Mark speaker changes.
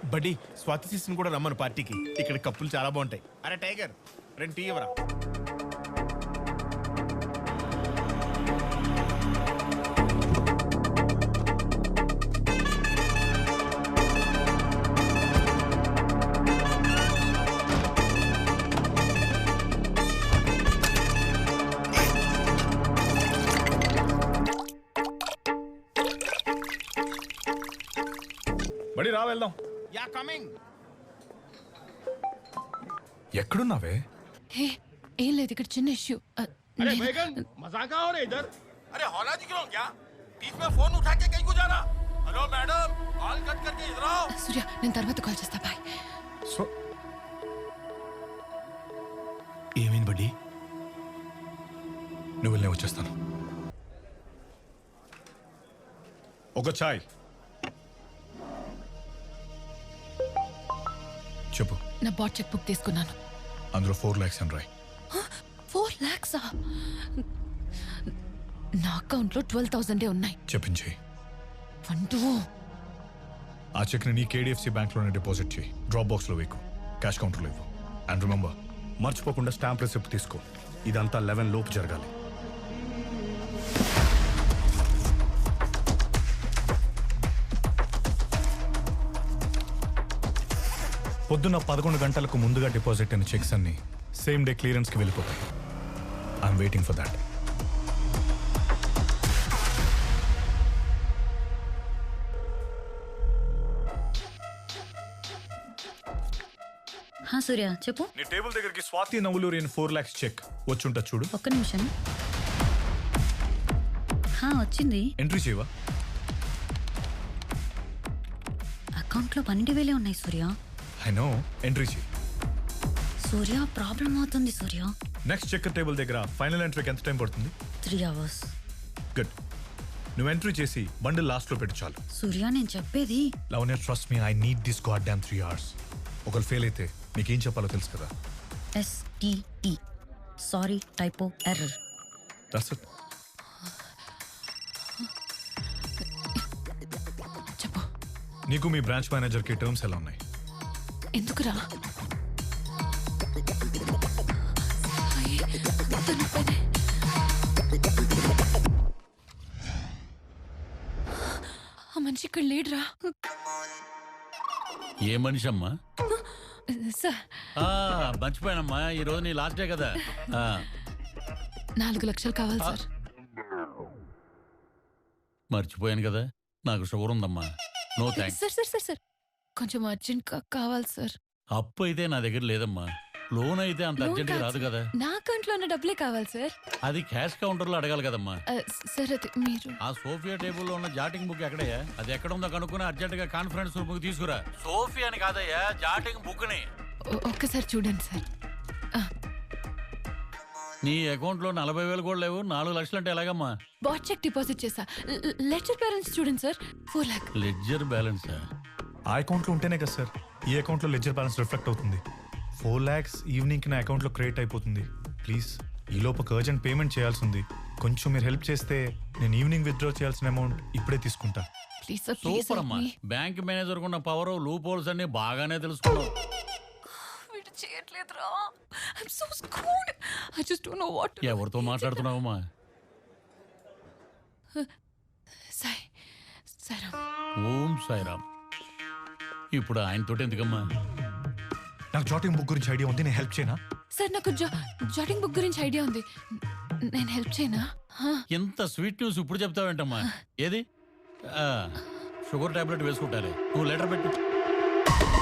Speaker 1: బడ్డీ స్వాతి సిస్టర్ని కూడా రమ్మను పార్టీకి. ఇక్కడ కప్పులు చాలా బాగుంటాయి. అరే టైగర్, 2 టీ ఇవ్వరా.
Speaker 2: బడి రా వెళ్దాం.
Speaker 1: Yeah coming.
Speaker 2: ఎక్కడున్నావే?
Speaker 3: హే ఏం లేదు, ఇక్కడ చిన్న ఇష్యూ.
Speaker 4: अरे बैगन मजाक हो रहा इधर. अरे हौला दिख रहा हूँ क्या? बीच में फोन उठा के कहीं को जा रहा? हेलो मैडम, कॉल कट करके इधर आओ.
Speaker 3: సూర్య నేను తర్వాత కాల్ చేస్తా, బాయ్.
Speaker 2: సో
Speaker 1: ఏమైంది బడ్డీ?
Speaker 2: నువ్వు వెళ్ళే వచ్చేస్తాను. ఒక చాయ్ చెప్పు.
Speaker 3: నా బాట్ చెక్ బుక్ తీసుకున్నాను.
Speaker 2: అందులో 4 lakhs అని రాయ్.
Speaker 3: 4 lakhs? నా అకౌంట్లో 12,000 ఉన్నాయి.
Speaker 2: చెప్పించేయి.
Speaker 3: 1
Speaker 2: ఆ చెక్ని నీ KDFC బ్యాంక్లోనే డిపాజిట్ చేయి. డ్రాప్ బాక్స్లో వేకు, క్యాష్ కౌంటర్లో ఇవ్వు. అండ్ రిమెంబర్, మర్చిపోకుండా స్టాంప్ రిసిప్ట్ తీసుకో. ఇదంతా 11 లోపు జరగాలి. పొద్దున్న 11 గంటలకు ముందుగా డిపాజిట్ అయిన చెక్స్ అన్ని సేమ్ డే క్లియరెన్స్కి వెళ్ళిపోతాయి. I'm waiting for that.
Speaker 5: Surya చెప్పు.
Speaker 2: నీ టేబుల్ దగ్గరికి స్వాతి నవ్వులూరి 4 lakhs చెక్ వచ్చుంటా చూడు.
Speaker 5: ఒక్క నిమిషం. వచ్చింది.
Speaker 2: ఎంట్రీ చేయవా?
Speaker 5: అకౌంట్లో 12,000 ఉన్నాయి సూర్య.
Speaker 2: ఐ నో, ఎంట్రీ చేయి.
Speaker 5: సూర్య ప్రాబ్లం అవుతుంది సూర్య.
Speaker 2: నెక్స్ట్ చెక్ టేబుల్ దగ్గర ఫైనల్ ఎంట్రీకి ఎంత టైం పడుతుంది?
Speaker 5: 3 hours.
Speaker 2: గుడ్. నువ్వు ఎంట్రీ చేసి బండిల్ లాస్ట్లో పెట్టు చాలు.
Speaker 5: సూర్య నేను చెప్పేది.
Speaker 2: Lavanya, trust me, I need this god damn 3 hours. ఒకరు ఫెయిల్ అయితే నీకేం చెప్పాలో తెలుసు కదా.
Speaker 5: STE, sorry typo error.
Speaker 2: That's it.
Speaker 3: చెప్పు.
Speaker 2: నీకు మీ బ్రాంచ్ మేనేజర్కి టర్మ్స్ ఎలా ఉన్నాయి?
Speaker 3: ఎందుకురా? ఆ మనిషి ఇక్కడ లేడురా.
Speaker 4: ఏ మనిషి అమ్మా?
Speaker 3: సార్
Speaker 4: మర్చిపోయానమ్మా, ఈ రోజు నీ లాస్ట్ డే కదా.
Speaker 3: 4 లక్షలు కావాలి సార్.
Speaker 4: మర్చిపోయాను కదా, నాకు షుగర్ ఉందమ్మా. No thanks.
Speaker 3: Sir sir sir sir కొంచెం అర్జెంట్ కావాలి సార్.
Speaker 4: అప్పు అయితే నా దగ్గర లేదమ్మా. లోన్ అయితే అంత అర్జెంట్ రాదు కదా.
Speaker 3: నా అకౌంట్లో ఉన్న డబ్బులే కావాలి సార్.
Speaker 4: అది క్యాష్ కౌంటర్ లో అడగాలి కదమ్మా.
Speaker 3: సార్ అది మీరు
Speaker 4: ఆ సోఫియా టేబుల్ లో ఉన్న జాటింగ్ బుక్ ఎక్కడయ్యా? అది ఎక్కడ ఉందో కనుక్కుని అర్జెంట్ గా కాన్ఫరెన్స్ రూమ్ కి తీసుకురా. సోఫియా అని కాదయ్యా, జాటింగ్ బుక్ ని.
Speaker 3: ఒక్కసారి చూడండి సార్.
Speaker 4: నీ అకౌంట్ లో 40,000 కూడా లేవు. 4 లక్షలు అంటే ఎలాగమ్మా?
Speaker 3: బాట్ చెక్ డిపాజిట్ చేసా. లెడ్జర్ బ్యాలెన్స్ చూడండి సార్, 4 lakhs.
Speaker 4: Ledger balance?
Speaker 2: ఆ అకౌంట్లో ఉంటేనే కదా సార్ ఈ అకౌంట్లో లెడ్జర్ బ్యాలెన్స్ రిఫ్లెక్ట్ అవుతుంది. 4 lakhs ఈవినింగ్కి నా అకౌంట్లో క్రియేట్ అయిపోతుంది. ప్లీజ్, ఈ లోపు అర్జెంట్ పేమెంట్ చేయాల్సి ఉంది. కొంచెం మీరు హెల్ప్ చేస్తే నేను ఈవినింగ్ విత్డ్రా చేయాల్సిన అమౌంట్ ఇప్పుడే తీసుకుంటా.
Speaker 3: ప్లీజ్ సార్, ప్లీజ్
Speaker 4: సూపర్ అమ్మా. బ్యాంక్ మేనేజర్ ఉన్న పవర్, లూప్ హోల్స్ అన్ని బాగానే తెలుసుకున్నావు.
Speaker 3: వీడు చేయట్లేదురా. I'm so screwed. I just don't know what.
Speaker 4: ఎవరితో మాట్లాడుతున్నావమ్మా?
Speaker 3: సాయి సాయిరామ్.
Speaker 4: ఓం సాయిరామ్. ఇప్పుడు ఆయనతో ఎందుకమ్మా?
Speaker 2: నాకు జాటింగ్ బుక్ గురించి ఐడియా ఉంది, నేను హెల్ప్ చేయనా?
Speaker 3: సార్ నాకు జాటింగ్ బుక్ గురించి ఐడియా ఉంది, నేను హెల్ప్ చేయనా?
Speaker 4: ఎంత స్వీట్ న్యూస్ ఇప్పుడు చెప్తావేంటమ్మా? ఏది? షుగర్ టాబ్లెట్ వేసుకుంటారే. నువ్వు లెటర్ పెట్టు.